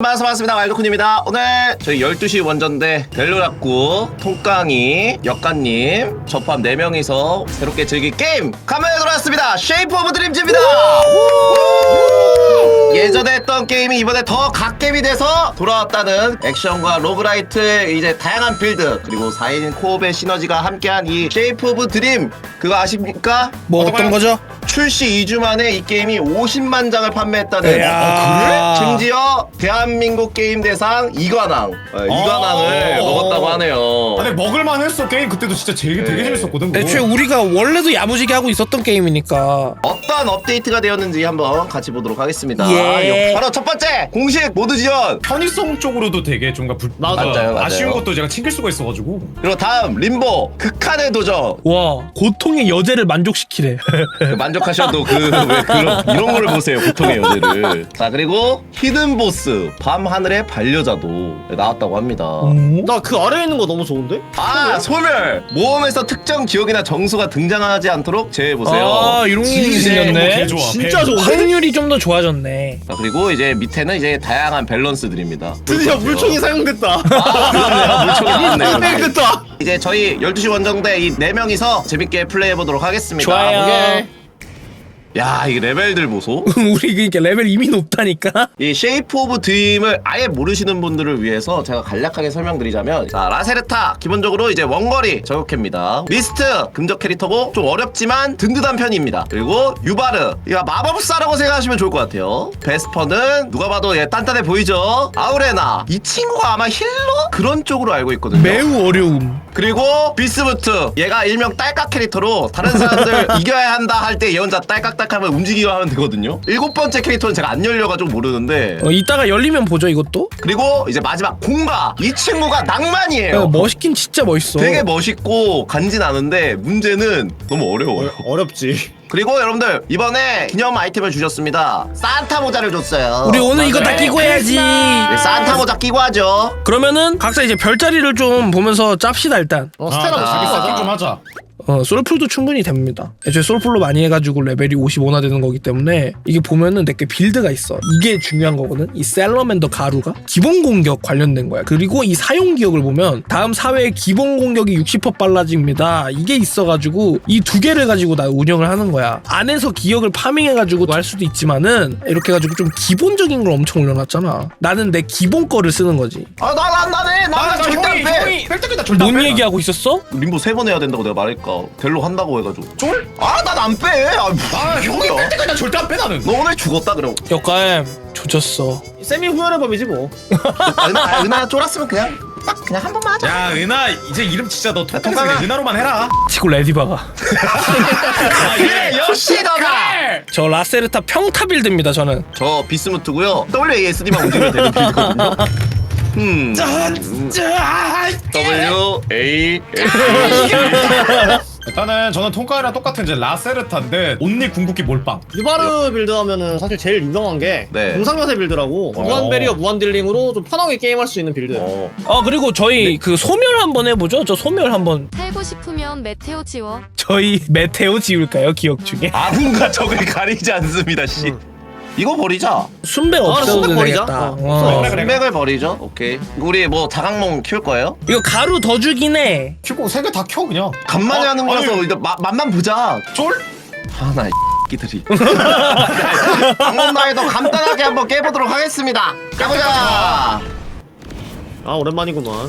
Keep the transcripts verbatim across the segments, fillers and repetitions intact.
반갑습니다. 와일드쿤입니다. 오늘 저희 열두 시 원전대 델로락구 통깡이 역가님 저 포함 네 명이서 새롭게 즐길 게임 카메라에 돌아왔습니다. 쉐이프 오브 드림즈입니다. 예전에 했던 게임이 이번에 더 갓겜이 돼서 돌아왔다는 액션과 로그라이트의 이제 다양한 빌드 그리고 사 인 코업의 시너지가 함께한 이 쉐이프 오브 드림 그거 아십니까? 뭐 어떤 거죠? 출시 이 주 만에 이 게임이 오십만 장을 판매했다는 야. 심지어 대한민국 게임 대상 이관왕 어, 이관왕을 어. 먹었다고 하네요. 아니 먹을만 했어. 게임 그때도 진짜 되게, 되게 네. 재밌었거든. 그거. 애초에 우리가 원래도 야무지게 하고 있었던 게임이니까. 어떤 업데이트가 되었는지 한번 같이 보도록 하겠습니다. 예. 바로 첫 번째 공식 모드 지원. 편의성 쪽으로도 되게 뭔가 불... 맞아요, 맞아요. 아쉬운 것도 제가 챙길 수가 있어가지고. 그리고 다음 림보 극한의 도전. 와, 고통의 여제를 만족시키래. 만족하셔도 그 왜 그런 이런 걸 보세요. 고통의 여제를. 자 그리고 히든 보스 밤 하늘의 반려자도 나왔다고 합니다. 나 그 아래에 있는 거 너무 좋은데? 아 소멸 모험에서 특정 기억이나 정수가 등장하지 않도록 제해보세요. 아, 이런 게 생겼네. 개 좋아. 진짜 배- 좋은데? 확률이 좀 더 좋아졌네. 자, 그리고 이제 밑에는 이제 다양한 밸런스들입니다. 드디어 물총이 사용됐다. 아, 그러네요. 물총이 나왔네요. 사용됐다. 이제 저희 열두 시 원정대 이 네 명이서 재밌게 플레이해보도록 하겠습니다. 좋아요. 오케이. 야, 이 레벨들 보소. 우리 그러니까 레벨 이미 높다니까. 이 쉐이프 오브 드림을 아예 모르시는 분들을 위해서 제가 간략하게 설명드리자면, 자 라세르타 기본적으로 이제 원거리 저격캐입니다. 리스트 금적 캐릭터고 좀 어렵지만 든든한 편입니다. 그리고 유바르 이거 마법사라고 생각하시면 좋을 것 같아요. 베스퍼는 누가 봐도 얘 단단해 보이죠. 아우레나 이 친구가 아마 힐러 그런 쪽으로 알고 있거든요. 매우 어려움. 그리고 비스무트 얘가 일명 딸깍 캐릭터로 다른 사람들 이겨야 한다 할 때 얘 혼자 딸깍딸깍하면 움직이기만 하면 되거든요. 일곱 번째 캐릭터는 제가 안 열려가지고 모르는데. 어, 이따가 열리면 보죠 이것도. 그리고 이제 마지막 공가 이 친구가 낭만이에요. 야, 멋있긴 진짜 멋있어. 되게 멋있고 간지나는데 문제는 너무 어려워요. 어렵지. 그리고 여러분들 이번에 기념 아이템을 주셨습니다. 산타 모자를 줬어요. 우리 오늘 이거 다 맞아요. 끼고 해야지. 네, 산타 모자 끼고 하죠. 그러면은 각자 이제 별자리를 좀 보면서 짭시다 일단. 어, 아, 스테라 나 자기 멋있어. 세팅 좀 하자. 어, 솔풀도 충분히 됩니다. 애초에 솔풀로 많이 해가지고 레벨이 오십오나 되는 거기 때문에 이게 보면은 내게 빌드가 있어. 이게 중요한 거거든. 이 셀러맨더 가루가 기본 공격 관련된 거야. 그리고 이 사용 기억을 보면 다음 사회의 기본 공격이 육십 퍼센트 빨라집니다. 이게 있어가지고 이 두 개를 가지고 나 운영을 하는 거야. 안에서 기억을 파밍해가지고 할 수도 있지만은 이렇게 해가지고 좀 기본적인 걸 엄청 올려놨잖아. 나는 내 기본 거를 쓰는 거지. 아나나 나네 아, 나는 나 절대 안 형이 빼. 형이 뺄때다 절대 안 뭔 빼. 얘기하고 있었어? 림보 세 번 해야 된다고 내가 말할까. 델로 한다고 해가지고. 쫄? 아 난 안 빼. 아, 아 형이 뭐야. 뺄때까지 나 절대 안 빼 나는. 너 오늘 죽었다 그럼. 역가엠 조졌어. 세미 후열의 법이지 뭐. 아, 은하 아, 은하 쫄았으면 그냥 딱 그냥 한 번만 하자. 야 은하 이제 이름 진짜 너 통통해서 통깡아. 그냥 은하로만 해라. 치고 레디바가. 아, 그래 역시 너다. 저 라세르타 평타 빌드입니다 저는. 저 비스무트고요. 더블유 에이 에스 디만 움직이면 되는 빌드거든요. 음. 더블유 에이 에스 디. 일단은 저는 통과이랑 똑같은 이제 라세르타인데 온리 궁극기 몰빵. 유바르 빌드 하면은 사실 제일 유명한 게 네. 공상요새 빌드라고 어. 무한 베리어 무한 딜링으로 좀 편하게 게임할 수 있는 빌드. 어. 아 그리고 저희 그 소멸 한번 해보죠. 저 소멸 한번. 살고 싶으면 메테오 지워. 저희 메테오 지울까요 기억 중에? 아군과 적을 가리지 않습니다. 씨. 이거 버리자. 순백 아, 없애도 순백 버리자. 되겠다. 어, 어. 그래, 그래. 맥을 버리죠. 오케이. 우리 뭐 자강몽 키울 거예요? 이거 가루 더 주긴 해. 큐고 세 개 다 켜 그냥. 간만에 어, 하는 거라서 아니. 일단 마, 맛만 보자. 쫄? 하나 이 끼들이. 강원나이도 간단하게 한번 깨보도록 하겠습니다. 가보자. 아 오랜만이구만.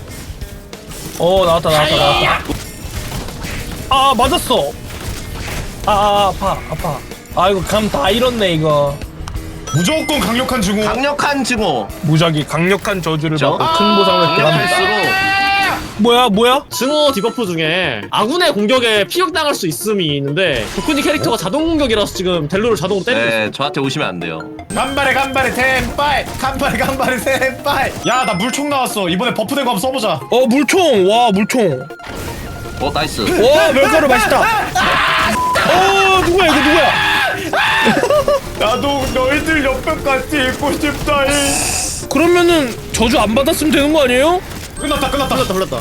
어 나왔다 나왔다 나왔다. 아 맞았어. 아, 아 아파 아파. 아 이거 감 다 잃었네 이거. 무조건 강력한 증오. 강력한 증오. 무작위 강력한 저주를 저? 받고 큰 보상을 구합니다. 강력할수록 뭐야 뭐야? 증오 디버프 중에 아군의 공격에 피격당할 수 있음이 있는데 도쿠니 캐릭터가 자동 공격이라서 지금 델로를 자동으로 때리고 있어. 네 저한테 오시면 안 돼요. 간발에 간발에 텐파이 간발에 간발에 텐파이. 야 나 물총 나왔어. 이번에 버프된 거 한번 써보자. 어 물총 와 물총. 어 나이스. 와 멸가루 맛있다. 어 누구야 이거 누구야? 나도 너희들 옆에까지 있고 싶다. 그러면은 저주 안 받았으면 되는 거 아니에요? 끝났다 끝났다. 흘렀다 흘렀다.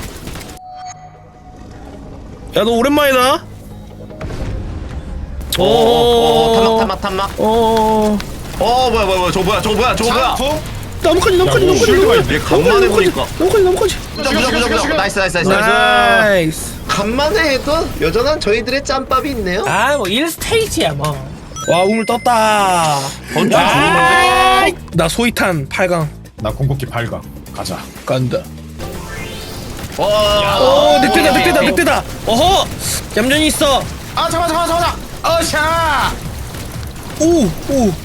야 너 오랜만이다. 어, 어, 어, 탐막 탐막 탐막. 어. 어 뭐야 뭐야 뭐야 저 뭐야 저 뭐야 저 뭐야. 장프? 나뭇가지 나뭇가지 야, 뭐, 나뭇가지 쉴드가 나뭇가지 얘 간만에 보니까 나뭇가지 나뭇가지. 무적 무적 무적 무적 나이스 나이스 나이스 나이스. 간만에 해도 여전한 저희들의 짬밥이 있네요. 아뭐 일 스테이지야 뭐. 와 우물 떴다. 번쩍 아, 나 소이탄 팔 강 나 궁극기 팔 강 가자. 간다. 와. 오 늑대다 늑대다 늑대다. 어허 얌전히 있어. 아 잠깐 잠깐 잠깐 어샤. 오오오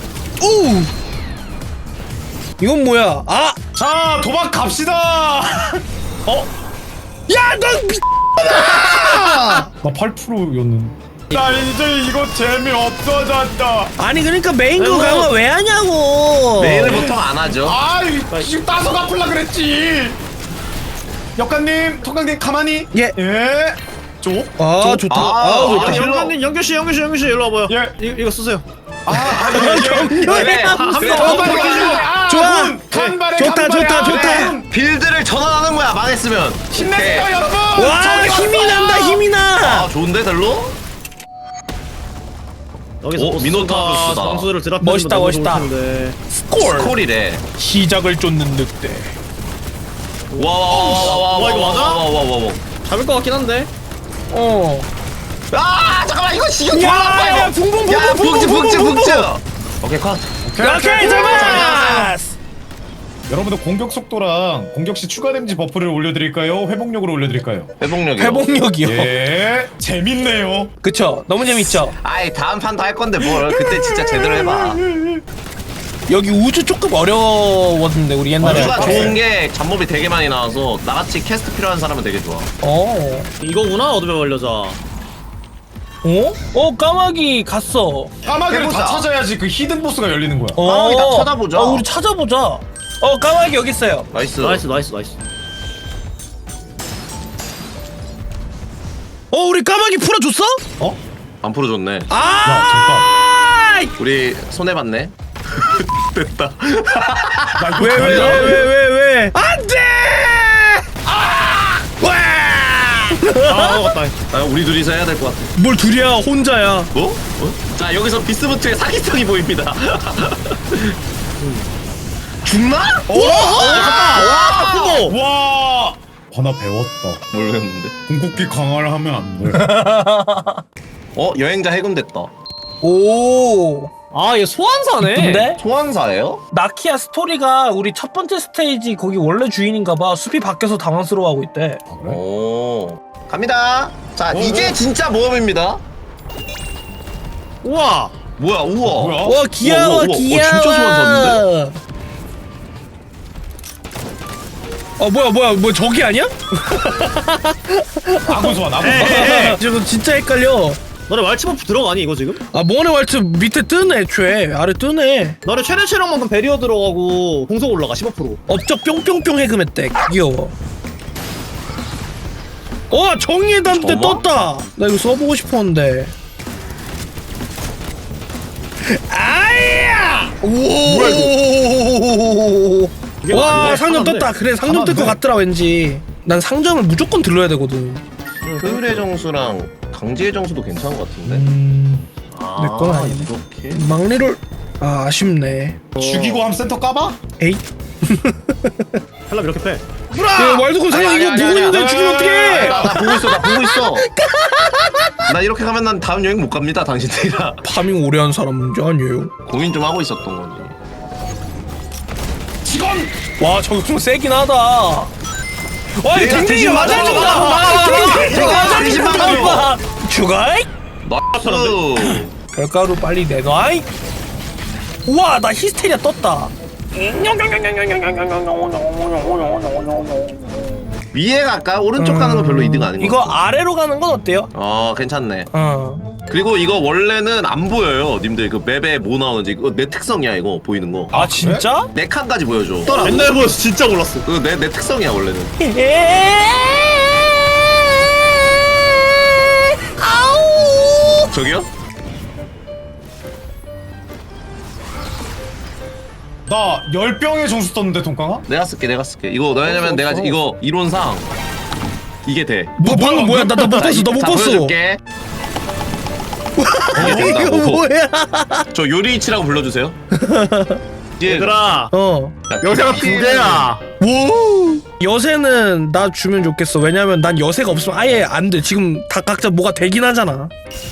이건 뭐야? 아! 자 도박 갑시다. 어? 야, 넌 미... 나 팔 퍼센트였는데. 나 이제 이거 재미 없어졌다. 아니 그러니까 메인 거 아이고. 강화 왜 하냐고. 메인을 보통 안 하죠. 아 지금 따서 갚으려 그랬지. 역관님, 통강님 가만히. 예. 예. 줘. 아 좋다. 아, 아, 아, 좋다. 힐러. 영규님 영규씨 영규씨 영규씨 일로 와봐요. 예. 이, 이거 쓰세요. 아, 아, 예, 예. 격렬해. 한 번, 그래, 한 번, 격렬해. 한 번. 아, 좋아. 문, 간발에 좋다, 간발에 좋다, 아, 좋다. 문. 빌드를 전환하는 거야 망했으면. 힘내세요 오케이. 여러분. 와 저기 힘이 왔어요. 난다 힘이 나. 아 좋은데 델로? 여기서 오, 미노타우루스다. 점수를 드랍. 멋있다, 멋있다. 스콜. 스콜이래. 시작을 쫓는 늑대. 와와와와와 와, 이거 맞아? 와와와와. 잡을 것 같긴 한데. 어. 아 잠깐만 이거 지금 야, 돌아봐 야, 이거. 붕붕, 붕붕, 야 붕붕, 북즈 북즈 붕붕, 북즈. 붕붕. 오케이 컷. 오케이 잡았어. 여러분들 공격 속도랑 공격 시 추가 데미지 버프를 올려드릴까요? 회복력으로 올려드릴까요? 회복력이요. 회복력이요. 예, 재밌네요. 그쵸? 너무 재밌죠? 아이 다음 판도 할 건데 뭘 그때 진짜 제대로 해봐. 여기 우주 조금 어려웠는데 우리 옛날에. 우주가 할 때. 좋은 게 잡몹이 되게 많이 나와서 나같이 캐스트 필요한 사람은 되게 좋아. 어. 이거구나 어둠의 완료자. 어? 어 까마귀 갔어. 까마귀를 해보자. 다 찾아야지 그 히든 보스가 열리는 거야. 어. 까마귀 다 찾아보자. 어, 우리 찾아보자. 어 까마귀 여기 있어요. 나이스. 나이스 나이스 나이스. 어 우리 까마귀 풀어줬어? 어? 안 풀어줬네. 아! 우리 손해 봤네. 됐다. 나 이거 왜 왜 가냐? 왜 왜 왜 왜? 안돼! 아! 와! 아 맞다. 아, 우리 둘이서 해야 될 것 같아. 뭘 둘이야 혼자야. 뭐? 어? 자 여기서 비스무트의 사기성이 보입니다. 죽나? 오! 와 후보. 와, 하나 배웠다. 모르겠는데. 궁극기 강화를 하면 안 돼. 어 여행자 해군됐다. 오. 아얘 소환사네. 근데 소환사예요? 나키야 스토리가 우리 첫 번째 스테이지 거기 원래 주인인가봐. 숲이 바뀌어서 당황스러워하고 있대. 아, 그래? 오. 갑니다. 자 오, 이게 오. 진짜 모험입니다. 우와. 뭐야 우와. 뭐야? 와 귀여워 우와, 우와, 우와. 귀여워. 어, 진짜 소환사인데? 어 뭐야 뭐야 뭐 저기 아니야? 아군 소환, 아군 에이, 소환. 에이, 에이. 지금 진짜 헷갈려. 너네 왈츠버프 들어가니 이거 지금? 아 모네 왈츠 밑에 뜨네 애초에 아래 뜨네. 너네 최대 체력만큼 베리어 들어가고 공속 올라가 십오 퍼센트. 업적 뿅뿅뿅 해금했대. 귀여워. 어 정의의 단대 어머? 떴다. 나 이거 써보고 싶었는데. 아야! 오! 이게 와 맞네. 상점 하나인데. 떴다. 그래 상점 뜰 것 하나인데. 같더라 왠지. 난 상점을 무조건 들러야 되거든. 효율의 정수랑 강제의 정수도 괜찮은 것 같은데. 음... 아, 내 건 아니네. 이렇게. 막리를 아 아쉽네. 죽이고 함 센터 까봐? 에이. 헬라 이렇게 패. 야 말도 상점 이거 보고 있는데 죽이면 어떡해? 나, 나 보고 있어, 나 보고 있어. 나 이렇게 가면 난 다음 여행 못 갑니다, 당신들이랑. 파밍 오래 한 사람 문제 아니에요. 고민 좀 하고 있었던 거지. 직원! 와 저거 좀 세긴 하다. 와 이거 내가 댕댕이 대신 맞아준다. 맞아준다. 댕댕이 대신 맞아준다. 죽어이? 나이스. 별가루 빨리 내놔이. 우와 나 히스테리아 떴다. 위에 갈까? 오른쪽 가는 거 별로 이득 아닌 거 이거 같아. 아래로 가는 건 어때요? 어, 괜찮네. 어. 그리고 이거 원래는 안 보여요, 님들. 그 맵에 뭐 나오는지. 이거 내 특성이야, 이거 보이는 거. 아 진짜? 네 칸까지 보여줘. 맨날 보여서 진짜 몰랐어. 그거 내, 내 특성이야, 원래는. 아우. 저기요? 나 열병의 정수 떴는데 동강아? 내가 쓸게, 내가 쓸게. 이거 왜냐면 내가 없어. 이거 이론상 이게 돼. 뭐 방금 뭐야? 나 나 못 봤어. 나 못 자, 봤어. 보여줄게. 이게 이거 된다고. 뭐야? 저 요리이치라고 불러주세요. 이게 얘들아 어. 여자가 두 개야. 오 여세는 나 주면 좋겠어. 왜냐면 난 여세가 없으면 아예 안 돼. 지금 다 각자 뭐가 되긴 하잖아.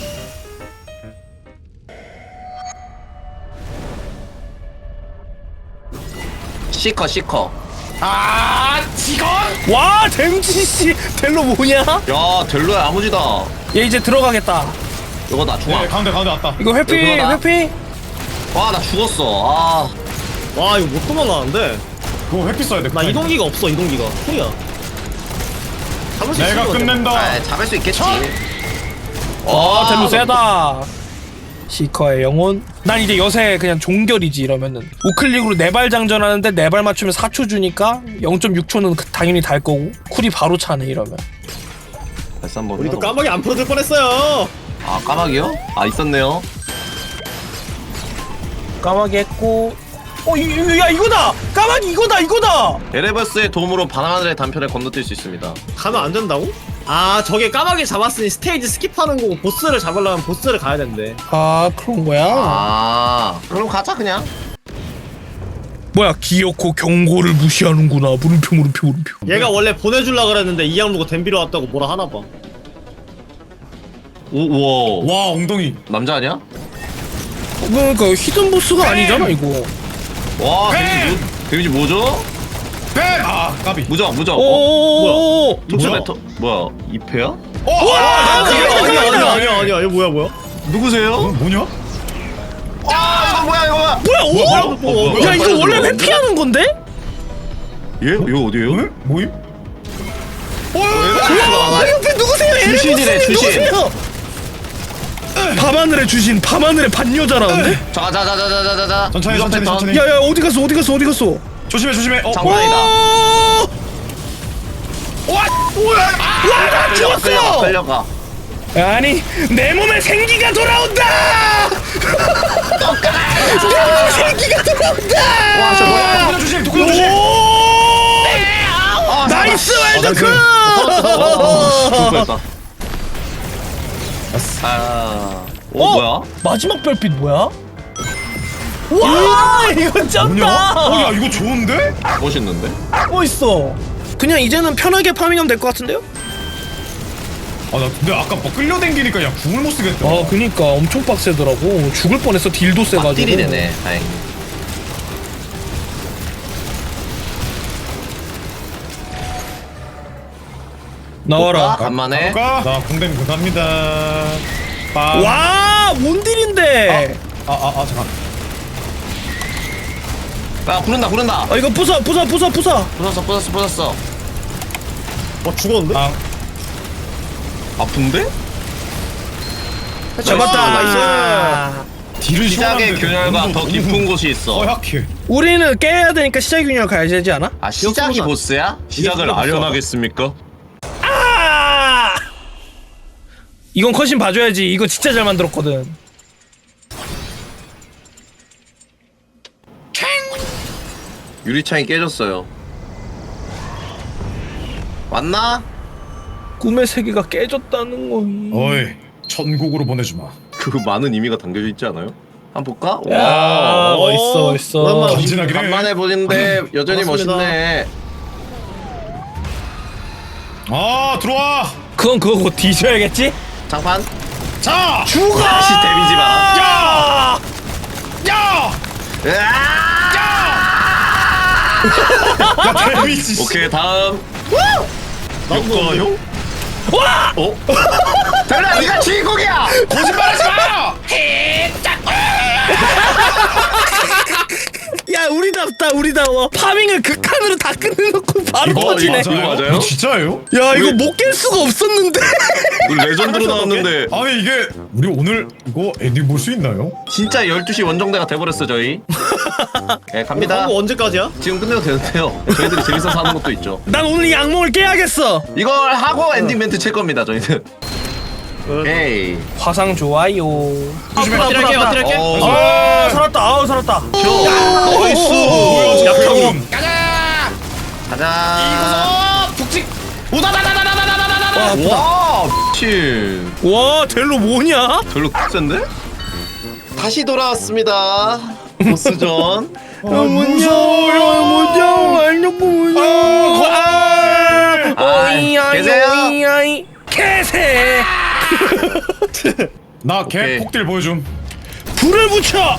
시커 시커. 아 직원. 와 댐지씨 델로 뭐냐? 야 델로야 아무지다. 얘 이제 들어가겠다. 이거 나 중앙. 네 가운데 가운데 왔다. 이거 회피 그거다. 회피. 와 나 죽었어. 아. 와 이거 못 도망가는데. 그거 회피 써야 돼. 나 이동기가 없어 이동기가. 소리야. 잡을 수 내가 있을 것 같아. 끝낸다. 아 잡을 수 있겠지. 아 델로 세다. 시커의 영혼. 난 이제 여세 그냥 종결이지 이러면은. 우클릭으로 네 발 장전하는데 네 발 맞추면 사 초 주니까 영 점 육 초는 당연히 달 거고 쿨이 바로 차네 이러면. 다시 한번. 우리도 해서. 까마귀 안 풀어줄 뻔했어요. 아 까마귀요? 아 있었네요. 까마귀 했고. 어, 이, 이, 야 이거다! 까마귀 이거다 이거다! 에레버스의 도움으로 바나나들의 단편을 건너뛸 수 있습니다. 가면 안 된다고? 아 저게 까마귀 잡았으니 스테이지 스킵하는 거고 보스를 잡으려면 보스를 가야 된대. 아 그런 거야? 아 그럼 가자 그냥. 뭐야 기어코 경고를 무시하는구나. 물음표 물음표 물음표. 얘가 원래 보내줄라 그랬는데 이양 누가 댐비로 왔다고 뭐라 하나 봐. 오 우와. 와 엉덩이. 남자 아니야? 어, 그러니까 히든 보스가 아니잖아 이거. 와 뱀! 데미지 뭐, 데미지 뭐죠? 뱀. 아 까비. 무적 무적. 어? 오오오오. 독수 뭐야? 메터 뭐야 이 패야? 어. 와. 아니야 아니야 아니야 아니야 아니야 이거 뭐야 뭐야? 누구세요? 뭐냐? 아 이거 뭐야 이거 뭐야? 뭐야 오? 뭐야? 뭐, 뭐, 뭐, 야 이거 빨리 원래 들어오는데? 회피하는 건데? 얘? 이거 어디에요? 응? 뭐임? 와 옆에 누구세요? 주신이래, 에르모스님 주신. 누구세요? 밤하늘의 주신 밤하늘의 반여자라는데? 자자자자자자자. 천천히 천천히 천천히. 야야 어디 갔어 어디 갔어 어디 갔어? 조심해 조심해. 어. 장난이다. 와! 나 끌려가 죽었어! 끌려가. 아니 내 몸에 생기가 돌아온다! 내 몸에 생기가 돌아온다! 와, 저 뭐야? 독구나 조심 독구나 조심. 오! 나이스 웰더크! 죽을 뻔했다. 아. 오 어? 뭐야? 마지막 별빛 뭐야? 와 이거 뭐냐? 쩐다! 어야 이거 좋은데? 멋있는데? 멋있어. 그냥 이제는 편하게 파밍하면 될 것 같은데요? 아 나 근데 아까 뭐 끌려댕기니까 야 궁을 못 쓰겠다. 아 그니까 엄청 빡세더라고. 죽을 뻔했어. 딜도 세가지고. 딜이 되네. 다행히. 나와라. 볼까? 간만에. 가볼까? 나 궁뎅 그갑니다. 빵. 와, 뭔 딜인데? 아아 아, 아, 잠깐. 야 구른다 구른다. 아 이거 부숴, 부숴, 부숴, 부숴. 부쉈어 부쉈어 부쉈어. 어 죽었는데? 아 아픈데? 잡았다. 나이스. 딜을 시작의 시원한데 균열과 너무- 더 너무 깊은 곳이 있어. 허약해. 우리는 깨야 되니까 시작 균열 가야 되지 않아? 아 시작이 보스야? 시작을 보스야. 아련하겠습니까? 아! 이건 컷신 봐줘야지. 이거 진짜 잘 만들었거든. 유리창이 깨졌어요. 왔나? 꿈의 세계가 깨졌다는 거. 어이 천국으로 보내주마. 그 많은 의미가 담겨져 있지 않아요? 한번 볼까? 야, 와. 멋있어, 멋있어. 오랜만에 간지나긴 해. 간만에 보는데 여전히 반갑습니다. 멋있네. 아 들어와. 그건 그거 곧 뒤져야겠지? 장판. 자. 죽어! 다시 데미지 봐라. 야! 야. 으아! 야 데미지. 오케이 다음. 역과요? 와! 어? 달라 네가 주인공이야. 거짓말하지 마. 야, 우리답다, 우리다워. 파밍을 극한으로 다 끝내놓고 바로 이거, 터지네. 이거 맞아요? 이거 진짜예요? 야, 이거 우리- 못 깰 수가 없었는데. 우리 레전드로 나왔는데 아니 이게 우리 오늘 이거 엔딩 볼 수 있나요? 진짜 열두 시 원정대가 돼버렸어 저희. 네 갑니다. 광고 언제까지야? 지금 끝내도 되는데요. 저희들이 재밌어서 하는 것도 있죠. 난 오늘 이 악몽을 깨야겠어. 이걸 하고 엔딩 멘트 칠 겁니다 저희는. 오케이. 화상 좋아요. 조심해. 아프다, 엎드릴게 아프다. 엎드릴게. 어. 아, 살았다. 아우, 살았다. 나이스. 뭐야 약하군. 가자. 북직. 와, 아프다. 와 미친. 와, 델로 뭐냐? 별로 센데? 다시 돌아왔습니다. 보스전. 아, 무서워요, 오이야 계세요? 오이야이 개새. 나 개 오케이. 폭딜 보여줌. 불을 붙여.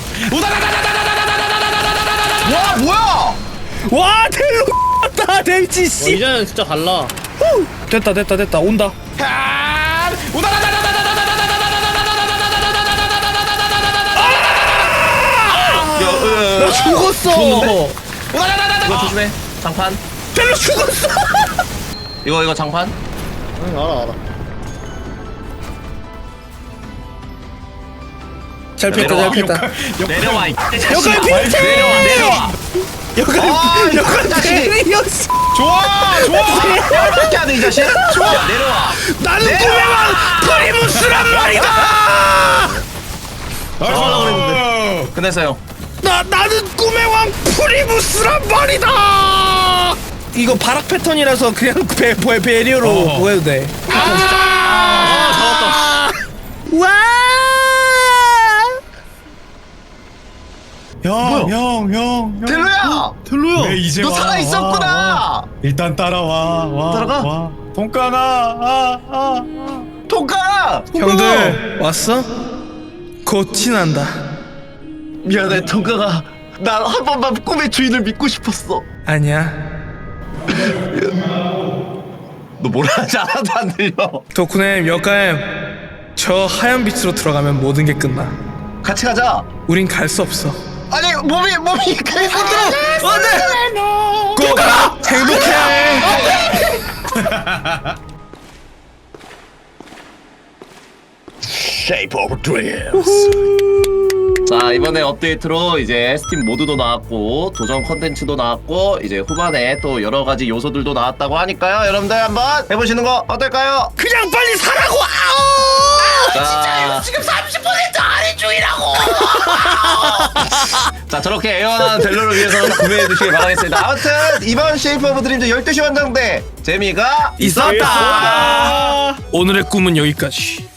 와 뭐야? 와 델로 다 델지 어, 씨. 이제는 진짜 달라. 후! 됐다 됐다 됐다 온다. 야, 으, 나 죽었어. 이거 조심해. 장판. 델로 죽었어. 이거 이거 장판. 응 알아 알아. 잘 뺐다 잘 내려와. 뺐다. 내려와 이 여기 자식아. 비트! 내려와 내려와. 여기 아, 이 여기 자식. 델리오 씨. 좋아 좋아. 어떻게 하는 이 자식? 좋아. 야, 내려와. 나는 꿈의 왕 프리무스란 말이다. 나이스. 끝냈어요. 나 나는 꿈의 왕 프리무스란 말이다. 이거 바락 패턴이라서 그냥 배, 배 배리어로 어. 뭐 해도 돼. 아 와. 형, 형, 형, 형. 델로야. 델로야. 왜 이제 너 와, 살아 있었구나. 와, 와. 일단 따라와. 와. 따라가? 와. 동까나. 아, 아. 통가. 형들 왔어? 곧 친한다. 미안해 통가가. 난 한 번만 꿈의 주인을 믿고 싶었어. 아니야. 너 뭐라 하지 않아도 안 들려. 덕후님 여가엠 저 하얀 빛으로 들어가면 모든 게 끝나. 같이 가자. 우린 갈 수 없어. 아니 몸이 몸이 그래 안돼 안돼. 꼭 가. 행복해. Shape of Dreams. 자 이번에 업데이트로 이제 스팀 모드도 나왔고 도전 컨텐츠도 나왔고 이제 후반에 또 여러 가지 요소들도 나왔다고 하니까요. 여러분들 한번 해보시는 거 어떨까요? 그냥 빨리 사라고. 아우. 진짜요? 지금 삼십 퍼센트 할인 중이라고. 자 저렇게 애원한 델로를 위해서 구매해 주시기 바라겠습니다. 아무튼 이번 쉐이프 오브 드림즈 열두 시 원정대 재미가 있었다. 오늘의 꿈은 여기까지.